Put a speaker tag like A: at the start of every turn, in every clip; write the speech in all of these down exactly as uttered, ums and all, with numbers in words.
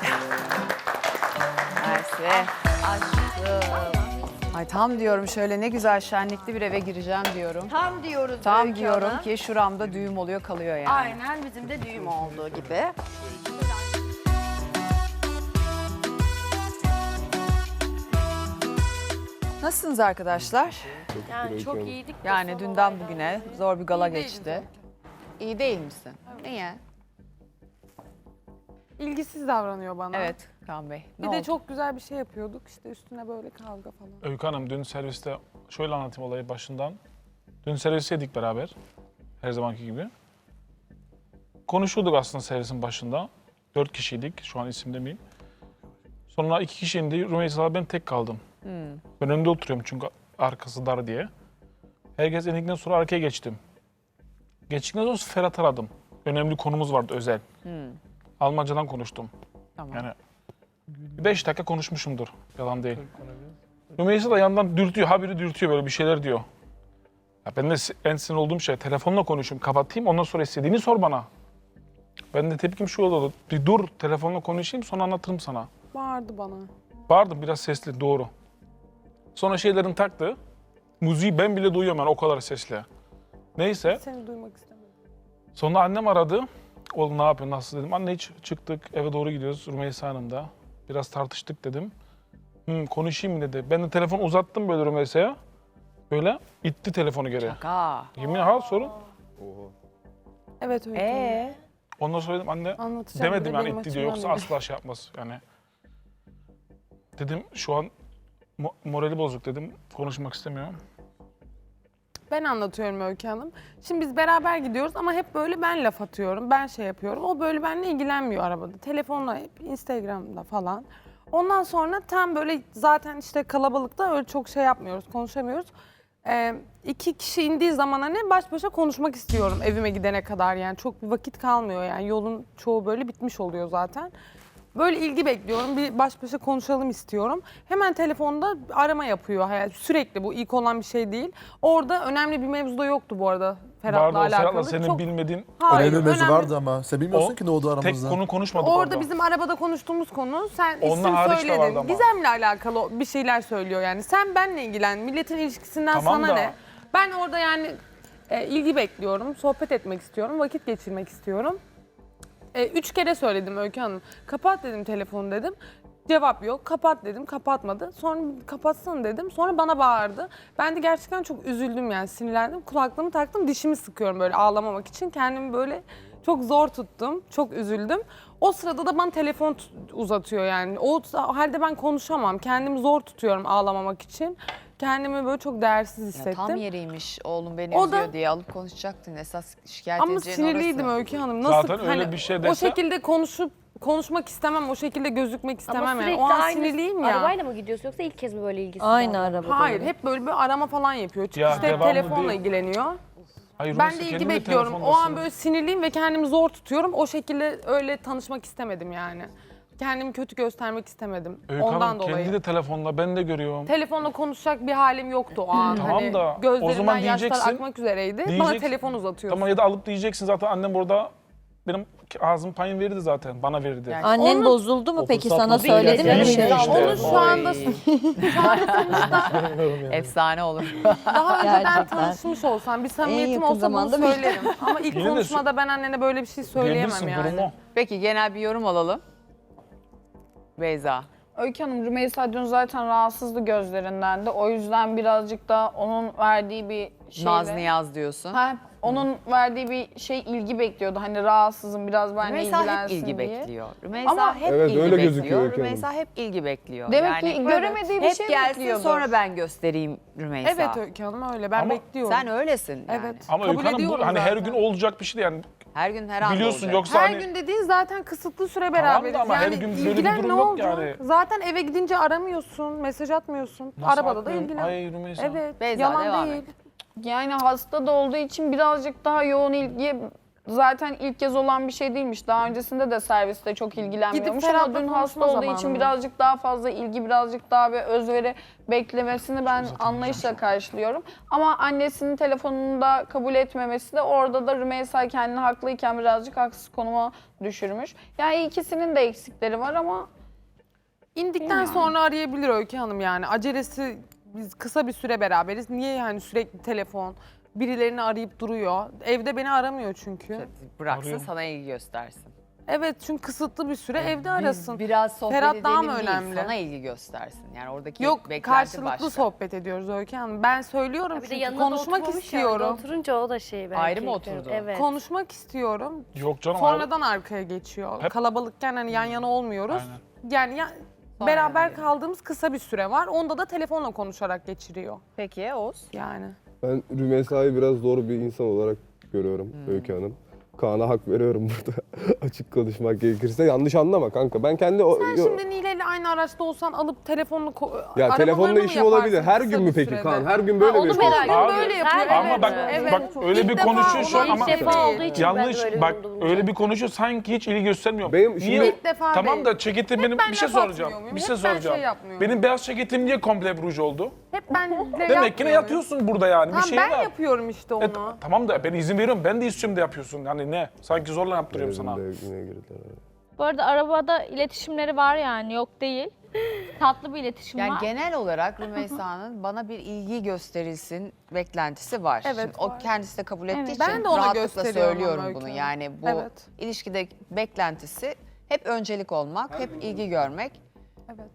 A: Mersi. Aşkım. Ay tam diyorum şöyle ne güzel şenlikli bir eve gireceğim diyorum.
B: Tam diyoruz
A: Tam
B: Öykü
A: diyorum
B: Hanım.
A: ki şuramda düğüm oluyor kalıyor yani.
B: Aynen bizim de düğüm olduğu gibi.
A: Nasılsınız arkadaşlar?
B: Yani çok iyiydik. de
A: Yani
B: son
A: dünden
B: olaydan
A: bugüne
B: sonra.
A: zor bir gala
C: İyi değiliz
A: geçti. İyi değil misin? Niye?
C: İlgisiz davranıyor bana.
A: Evet Kaan Bey.
C: Bir
A: Ne
C: de
A: oldu?
C: çok güzel bir şey yapıyorduk. İşte üstüne böyle kavga falan.
D: Öykü Hanım dün serviste şöyle anlatayım olayı başından. Dün servisteydik beraber. Her zamanki gibi. Konuşuyorduk aslında servisin başında. Dört kişiydik. Şu an isim demeyeyim. Sonra iki kişi indi. Rümeysa'la ben tek kaldım.
A: Hmm.
D: Ben önde oturuyorum çünkü arkası dar diye. Herkes indikten sonra arkaya geçtim. Geçtikten sonra Ferhat aradım. Önemli konumuz vardı özel.
A: Hmm.
D: Almancadan konuştum.
A: Tamam.
D: Yani beş dakika konuşmuşumdur. Yalan değil. Rümeysa da yandan dürtüyor. Haberi dürtüyor böyle bir şeyler diyor. Ya ben de en sinir olduğum şey telefonla konuşayım. Kapatayım ondan sonra istediğini sor bana. Ben de tepkim şu oldu. Bir dur telefonla konuşayım sonra anlatırım sana.
C: Bağırdı bana.
D: Bağırdım biraz sesli doğru. Sonra şeylerin taktı. Müziği ben bile duyuyorum yani o kadar sesli. Neyse.
C: Seni duymak istemedim.
D: Sonra annem aradı. Oğlum ne yapıyorsun nasıl dedim. Anne hiç çıktık eve doğru gidiyoruz Rümeysa Hanım'da. Biraz tartıştık dedim. Hı, konuşayım mı dedi. Ben de telefonu uzattım böyle Rümeysa'ya. Böyle itti telefonu geri.
A: Şaka.
D: Yemin ha sorun.
C: Evet öyle.
A: Ee,
D: Ondan sonra dedim anne
C: Anlatacağım.
D: demedim
C: bile
D: yani
C: benim
D: itti diyor yoksa
C: açımdan
D: asla şey yapmaz yani. Dedim şu an mo- morali bozuk dedim konuşmak istemiyorum.
C: Ben anlatıyorum Öykü Hanım. Şimdi biz beraber gidiyoruz ama hep böyle ben laf atıyorum. Ben şey yapıyorum. O böyle benimle ilgilenmiyor arabada. Telefonla hep Instagram'da falan. Ondan sonra tam böyle zaten işte kalabalıkta öyle çok şey yapmıyoruz, konuşamıyoruz. Ee, iki kişi indiği zaman hani baş başa konuşmak istiyorum evime gidene kadar yani. Çok bir vakit kalmıyor yani yolun çoğu böyle bitmiş oluyor zaten. Böyle ilgi bekliyorum, bir baş başa konuşalım istiyorum. Hemen telefonda arama yapıyor. Yani sürekli bu ilk olan bir şey değil. Orada önemli bir mevzu da yoktu bu arada Ferhat'la
D: Vardı o
C: alakalı.
D: Ferhat'la senin
C: Çok-
D: bilmediğin
C: Hayır,
E: Önemli bir mevzu
C: önemli-
E: vardı ama sen bilmiyorsun
D: O
E: ki ne oldu
D: tek
E: aramızda.
D: konu konuşmadık
C: Orada
D: orada.
C: bizim arabada konuştuğumuz konu sen
D: Onunla
C: isim
D: hariç de vardı
C: söyledin.
D: ama.
C: Gizem'le alakalı bir şeyler söylüyor yani. Sen benle ilgilen. Milletin ilişkisinden
D: Tamam
C: sana
D: da-
C: ne? Ben orada yani e, ilgi bekliyorum. Sohbet etmek istiyorum. Vakit geçirmek istiyorum. E, üç kere söyledim Öykü Hanım. Kapat dedim telefonu dedim. Cevap yok. Kapat dedim. Kapatmadı. Sonra kapatsana dedim. Sonra bana bağırdı. Ben de gerçekten çok üzüldüm yani sinirlendim. Kulaklığımı taktım. Dişimi sıkıyorum böyle ağlamamak için. Kendimi böyle çok zor tuttum. Çok üzüldüm. O sırada da bana telefon tut- uzatıyor yani. O halde ben konuşamam. Kendimi zor tutuyorum ağlamamak için. Kendimi böyle çok değersiz
A: ya
C: hissettim.
A: tam yeriymiş oğlum beni
C: O da-
A: üzüyor diye alıp konuşacaktın. Esas şikayet
C: Ama
A: edeceğin
C: sinirliydim
A: orası.
C: Öykü Hanım. Nasıl
D: Zaten öyle
C: hani
D: bir şey
C: o
D: dese-
C: şekilde konuşup konuşmak istemem, o şekilde gözükmek istemem
F: Ama
C: yani.
F: sürekli
C: O an
F: aynı
C: sinirliyim ya.
F: arabayla mı gidiyorsun yoksa ilk kez mi böyle ilgisiz?
G: Aynı
F: davranıyor?
G: araba.
C: Hayır, hep böyle bir arama falan yapıyor. Çünkü
D: Ya,
C: işte hep
D: devamlı
C: telefonla
D: değil.
C: ilgileniyor.
D: Hayır,
C: Ben
D: Rümeysa
C: de ilgi
D: kendin de
C: bekliyorum. O an
D: telefondasın.
C: böyle sinirliyim ve kendimi zor tutuyorum. O şekilde öyle tanışmak istemedim yani. Kendimi kötü göstermek istemedim.
D: Öykü
C: Ondan
D: Hanım
C: dolayı.
D: kendi de telefonla ben de görüyorum.
C: Telefonla konuşacak bir halim yoktu o an.
D: Tamam
C: hani
D: da, o
C: gözlerimden
D: zaman
C: yaşlar
D: diyeceksin-
C: akmak üzereydi. Bana
D: diyeceksin-
C: telefon uzatıyor.
D: Tamam ya da alıp diyeceksin zaten annem burada benim ağzım payın verirdi zaten bana verirdi.
A: Yani-
G: Annen
C: Onu-
G: bozuldu mu peki
E: fırsat
G: sana
E: buldu.
G: söyledi mi bir
D: Bilmiyorum
G: şey?
D: işte.
C: Onu şu anda
A: Oy. Efsane olur.
C: daha önceden
G: Gerçekten.
C: tanışmış olsam, bir samimiyetim
G: yakın
C: olsa bunu
G: zamanda bir-
C: söylerim. Ama ilk
D: Yine de
C: konuşmada ben annene böyle bir şey söyleyemem
D: Diyebilirsin
C: yani.
D: durumu.
A: Peki genel bir yorum alalım. Beyza.
H: Öykü Hanım, Rümeysa dün zaten rahatsızdı gözlerinden de. O yüzden birazcık da onun verdiği bir şeyle...
A: Naz Niyaz diyorsun.
H: Ha, onun verdiği bir şey ilgi bekliyordu. Hani rahatsızım biraz benimle
A: Rümeysa hep
H: ilgilensin
A: ilgi
H: diye.
A: bekliyor. Rümeysa
H: Ama-
A: hep
I: Evet,
A: ilgi
I: öyle
A: bekliyor.
I: gözüküyor Öykü Hanım.
A: Rümeysa hep ilgi bekliyor.
H: Demek ki göremediği bir
A: hep
H: şey
A: gelsin
H: bekliyordur.
A: sonra ben göstereyim Rümeysa.
C: Evet Öykü Hanım öyle. Ben
D: Ama
C: bekliyorum.
A: Sen öylesin yani.
C: Evet.
D: Ama
C: Kabul
D: Öykü Hanım bu
C: ediyorum
D: hani her
C: zaten.
D: gün olacak bir şey değil yani
A: Her gün her an
D: biliyorsun
A: olacak.
D: yoksa
C: Her
D: hani
C: gün dediğin zaten kısıtlı süre
D: Tamam da
C: beraberiz.
D: ama her
C: yani
D: gün böyle bir
C: ilgilen
D: durum
C: ne
D: yok
C: olacak?
D: yani.
C: Zaten eve gidince aramıyorsun, mesaj atmıyorsun.
D: Nasıl
C: Arabada da
D: atmıyorum?
C: ilgilen.
D: Ay Rümeysa.
C: Evet,
A: Beyza,
C: yalan
A: devam
C: değil.
A: et.
H: Yani hasta da olduğu için birazcık daha yoğun ilgi zaten ilk kez olan bir şey değilmiş. Daha öncesinde de serviste çok ilgilenmiyormuş ama
C: Ferhat'la
H: dün
C: konuşma
H: hasta olduğu için
C: zamanı.
H: birazcık daha fazla ilgi, birazcık daha bir özveri beklemesini ben anlayışla karşılıyorum. Ama annesinin telefonunu da kabul etmemesi de orada da Rümeysa kendini haklıyken birazcık haksız konuma düşürmüş. Yani ikisinin de eksikleri var ama
C: İndikten sonra arayabilir Öykü Hanım yani. Acelesi, biz kısa bir süre beraberiz. Niye yani sürekli telefon, birilerini arayıp duruyor. Evde beni aramıyor çünkü.
A: Bıraksın
D: Arıyorum.
A: sana ilgi göstersin.
C: Evet çünkü kısıtlı bir süre evde
A: Biz
C: arasın.
A: biraz sohbet
C: Ferhat
A: edelim
C: daha mı
A: değil,
C: önemli?
A: sana ilgi göstersin. Yani oradaki
C: Yok
A: beklenti
C: karşılıklı
A: başka.
C: sohbet ediyoruz Öykü Hanım. Ben söylüyorum
F: Bir de
C: çünkü
F: yanına da
C: konuşmak
F: oturmamış yani.
C: istiyorum.
F: Oturunca o da şey belki.
A: Ayrı mı oturdu?
F: Evet.
C: Konuşmak istiyorum.
D: Yok canım.
C: Sonradan arkaya geçiyor.
D: Hep-
C: Kalabalıkken hani yan yana olmuyoruz.
D: Aynen.
C: Yani ya,
A: Sonra
C: beraber
A: yani.
C: kaldığımız kısa bir süre var. Onda da telefonla konuşarak geçiriyor.
A: Peki Oğuz?
C: Yani.
E: Ben Rümeysa'yı biraz zor bir insan olarak görüyorum Öykü Hanım. Kaan'a hak veriyorum burada. Açık konuşmak gerekirse. Yanlış anlama kanka. Ben kendi... o-
C: Sen
E: yo-
C: şimdi Nile ile aynı araçta olsan alıp telefonunu ko-
E: ya
C: arabalarını
E: telefonda
C: mı
E: işim olabilir.
C: yaparsın
E: Her
C: kısa
E: gün mü
C: bir
E: peki
C: sürede?
E: Kaan? Her gün böyle
C: Ha,
E: mi
C: onu merak
E: yapıyorsun?
C: ediyorum.
D: Abi,
C: Böyle yapıyor.
F: Ama
C: evet.
D: bak-
C: Evet.
D: bak öyle
C: İlk
D: bir
C: defa
D: konuşuyor şu an
C: olan
D: ama-
C: bir
F: İlk defa
C: değil.
F: olduğu için
D: Yanlış
F: ben de öyle
D: bak
F: bulundum.
D: öyle bir konuşuyor sanki hiç ilgi göstermiyor.
E: Benim şimdi-
D: Niye?
C: İlk defa
D: Tamam
C: değil.
D: da ceketim benim
C: ben
D: bir şey
C: laf
D: soracağım.
C: atmıyor muyum?
D: Bir
C: Hep
D: şey
C: ben şey
D: soracağım.
C: yapmıyorum.
D: Benim beyaz ceketim niye komple ruj oldu?
C: Hep ben
D: Demek ki ne yatıyorsun burada yani
C: Tamam
D: bir şey
C: ben
D: var.
C: yapıyorum işte onu.
D: E, tamam da ben izin veriyorum. Ben de istiyorum da yapıyorsun. Yani ne? Sanki zorla yaptırıyorum sana.
E: Benim de yine girdiler.
G: Bu arada arabada iletişimleri var yani yok değil. Tatlı bir iletişim
A: Yani
G: var.
A: genel olarak Rümeysa'nın bana bir ilgi gösterilsin beklentisi var.
C: Evet,
A: Şimdi o
C: var.
A: kendisi de kabul ettiği
G: Evet.
A: için
C: Ben de ona
A: rahatlıkla
C: gösteriyorum
A: söylüyorum
C: ama
A: bunu.
C: Öykü
A: Yani bu
C: Evet.
A: ilişkide beklentisi hep öncelik olmak, hep ilgi görmek.
C: Evet.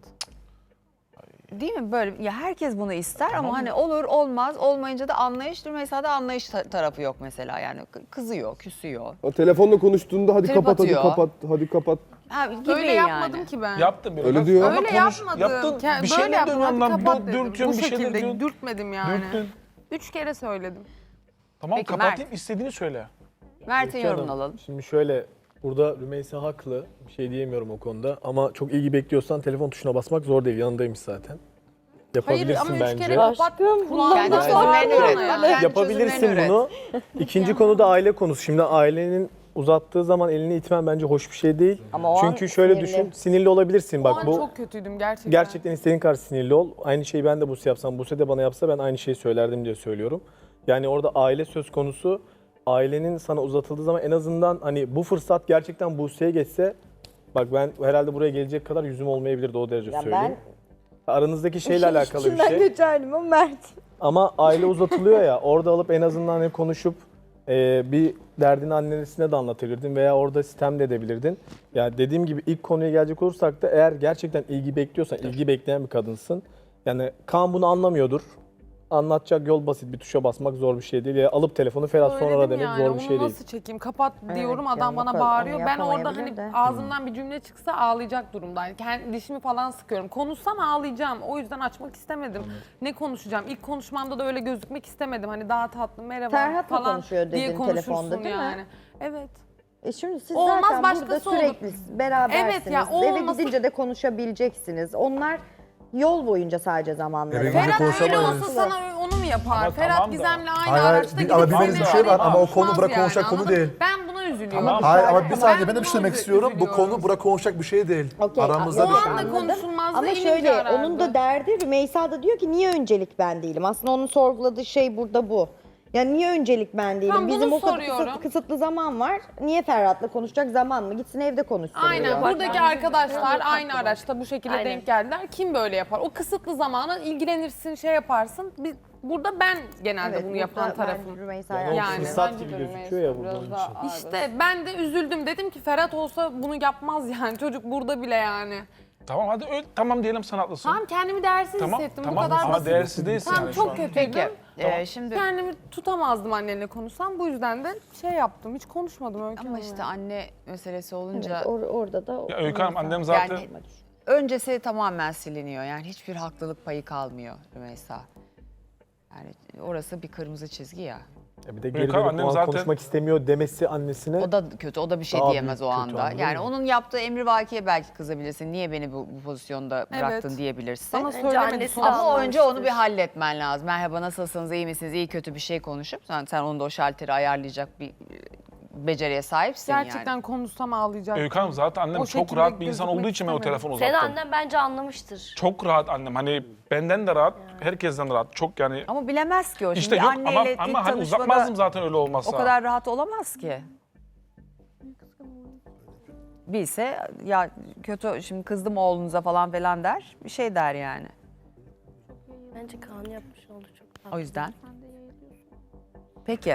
A: Değil mi? Böyle ya herkes bunu ister ama hani olur olmaz olmayınca da anlayış. Rümeysa'da anlayış ta- tarafı yok mesela. Yani kı- kızıyor, küsüyor.
E: O telefonla konuştuğunda hadi
A: Trip
E: kapat, hadi
A: atıyor.
E: kapat, hadi kapat.
A: Ha, gibi
C: Öyle
A: yani.
C: yapmadım ki ben.
D: Yaptım biraz.
E: Öyle diyor.
D: Ama
C: Öyle
D: konuş-
C: yapmadım.
D: Yaptın.
C: Ke-
D: Bir
C: böyle
D: şeyler
C: yaptım,
D: dönüyorsun
C: hadi
D: lan.
C: kapat
D: dö-
C: dedim.
D: Dürtüyorsun
C: Bu
D: bir şeyler
C: şekilde
D: diyorsun.
C: dürtmedim yani.
D: Dürttün.
C: Üç kere söyledim.
D: Tamam
A: Peki,
D: kapatayım
A: Mert.
D: istediğini söyle.
A: Mert'in
I: Öykü
A: yorumunu
I: Hanım,
A: alalım.
I: Şimdi şöyle, burada Rümeysa haklı. Bir şey diyemiyorum o konuda. Ama çok ilgi bekliyorsan telefon tuşuna basmak zor değil. Yanındaymış zaten.
C: Hayır
I: Yapabilirsin
C: ama üç
I: bence.
C: kere kapat.
A: Kendi
C: Kulağında
A: çözümlerini üret. Bak, kendi
I: Yapabilirsin
A: çözümlerini
I: bunu.
A: üret.
I: İkinci konu da aile konusu. Şimdi ailenin uzattığı zaman elini itmen bence hoş bir şey değil.
B: Ama o an
I: Çünkü şöyle
B: sinirli.
I: düşün, sinirli olabilirsin.
C: O
I: Bak
C: an
I: bu
C: çok kötüydüm gerçekten.
I: gerçekten istediğin kadar sinirli ol. Aynı şeyi ben de Buse yapsam, Buse de bana yapsa ben aynı şeyi söylerdim diye söylüyorum. Yani orada aile söz konusu. Ailenin sana uzatıldığı zaman en azından hani bu fırsat gerçekten Buse'ye geçse, bak ben herhalde buraya gelecek kadar yüzüm olmayabilirdi, o derece
B: Ya
I: söyleyeyim. Aranızdaki şeyle alakalı bir
B: İçinden
I: şey.
B: geçerdim ama Mert.
I: Ama aile uzatılıyor ya, orada alıp en azından hani konuşup e, bir derdini annesine de anlatabilirdin veya orada sitem de edebilirdin. Yani dediğim gibi ilk konuya gelecek olursak da eğer gerçekten ilgi bekliyorsan, ilgi bekleyen bir kadınsın. Yani Kaan bunu anlamıyordur. Anlatacak yol basit, bir tuşa basmak zor bir şey değil. Ya alıp telefonu Ferhat sonra
C: Söyledim
I: ara demek
C: yani,
I: zor
C: onu
I: bir şey değil.
C: nasıl çekeyim? Kapat diyorum,
B: yani
C: adam
B: o
C: bana
B: kadar-
C: bağırıyor.
B: onu
C: Ben orada
B: yapamayabilir
C: hani
B: de.
C: ağzımdan bir cümle çıksa ağlayacak durumdayım. Kendi dişimi falan sıkıyorum. Konuşsam ağlayacağım. O yüzden açmak istemedim. Ne konuşacağım? İlk konuşmamda da öyle gözükmek istemedim. Hani daha tatlı, merhaba
B: Ferhat'la
C: falan
B: konuşuyor
C: diye
B: dedin
C: konuşursun
B: telefonda, değil mi?
C: yani. Evet.
B: E şimdi siz
C: Olmaz,
B: zaten burada
C: başkası olur.
B: sürekli berabersiniz.
C: Evet ya, o
B: Eve
C: olması-
B: gidince de konuşabileceksiniz. Onlar yol boyunca sadece zamanları.
J: Eve
B: var.
J: gidince
C: Ferhat öyle
J: konuşamayız.
C: olsa sana onu mu yapar?
D: Ama
C: Ferhat
D: tamam da-
C: Gizem'le aynı
J: Hayır, hayır,
C: araçta
J: bir-
C: gidip
J: ama bilmediğiniz bir şey var ama o konu
C: konuşmaz
J: bırak
C: yani,
J: konuşacak konu
C: anladın mı?
J: değil.
C: Ben buna üzülüyorum.
B: Ama
J: Hayır ama bir
B: Ben
J: saniye ben de bir
C: buna
J: şey demek
C: üzü-
J: istiyorum. Bu
C: üzülüyorum.
J: konu bırak konuşacak bir şey değil.
B: Okey,
J: Aramızda
B: o
J: bir
C: O
J: şey.
C: anda
B: Anladım.
C: konuşulmazdı,
B: Ama
C: inince
B: şöyle
C: arardı.
B: onun da derdi Rümeysa da diyor ki niye öncelik ben değilim? Aslında onun sorguladığı şey burada bu. Yani niye öncelik ben değilim?
C: Tam bunu
B: Bizim o kadar
C: soruyorum.
B: kısıtlı, kısıtlı zaman var. Niye Ferhat'la konuşacak zaman mı? Gitsin evde konuşsun
C: Aynen.
B: diyor.
C: Buradaki arkadaşlar aynı araçta bu şekilde
F: Aynen.
C: denk geldiler. Kim böyle yapar? O kısıtlı zamana ilgilenirsin, şey yaparsın. Biz, burada ben genelde
B: Evet,
C: bunu
B: burada
C: yapan
B: ben
C: tarafım.
B: Rümeysa'ya
I: Yani o
C: Yani.
I: fırsat
H: Bence
I: gibi
H: de
I: gözüküyor ya
H: Rümeysa
I: burada onun
H: biraz
I: için.
H: daha ağır.
C: İşte ben de üzüldüm. Dedim ki Ferhat olsa bunu yapmaz yani. Çocuk burada bile yani.
D: Tamam hadi öyle, tamam diyelim sen haklısın.
C: Tamam kendimi değersiz
D: Tamam,
C: hissettim.
D: tamam.
C: Bu kadar
D: Ama
C: basit.
D: değersiz değilsin
C: Tamam
D: yani şu
C: çok
D: an.
C: kötüydüm.
A: Peki.
D: Tamam.
A: e, şimdi
C: Kendimi tutamazdım annenle konuşsam. Bu yüzden de şey yaptım. Hiç konuşmadım öyle.
A: ama işte anne meselesi olunca
B: Evet, or- orada da
D: Ya Öykü Hanım annem zaten
A: Yani- öncesi tamamen siliniyor. Yani hiçbir haklılık payı kalmıyor Rümeysa. Yani orası bir kırmızı çizgi ya.
I: Ya bir de
D: Öykü
I: geri
D: Hanım,
I: dönüp
D: annem
I: o an
D: zaten-
I: konuşmak istemiyor demesi annesine.
A: O da kötü, o da bir şey
I: Daha
A: diyemez o
I: büyük kötü,
A: anda.
I: anladın
A: Yani
I: mı?
A: onun yaptığı emrivakiye belki kızabilirsin. Niye beni bu, bu pozisyonda bıraktın
C: Evet.
A: diyebilirsin.
C: Bana
F: Bence
C: söylemedi.
F: annesi de
C: sonra.
A: Ama önce
F: anlamıştır.
A: onu bir halletmen lazım. Merhaba nasılsınız, iyi misiniz, iyi kötü bir şey konuşup sen, sen onu da o şalteri ayarlayacak bir beceriye sahipsin
C: Gerçekten
A: yani.
C: konuşsam ağlayacak.
D: Öykü Hanım zaten annem
C: O
D: çok
C: şekilde
D: rahat bir insan
C: gözükmek
D: olduğu için ben o
C: istemiyorum.
D: telefonu
F: Senin
D: uzattım.
F: annen bence anlamıştır.
D: Çok rahat annem. Hani benden de rahat, herkesten de rahat. Çok yani
A: Ama bilemez ki o.
D: işte
A: Şimdi
D: yok ama,
A: anneyle ilk
D: ama hani
A: tanışmada
D: uzatmazdım zaten öyle olmazsa.
A: o kadar rahat olamaz ki. Bilse ya kötü şimdi kızdım oğlunuza falan falan der. Bir şey der yani.
F: Bence Kaan yapmış oldu çok tatlı.
A: O yüzden. Peki.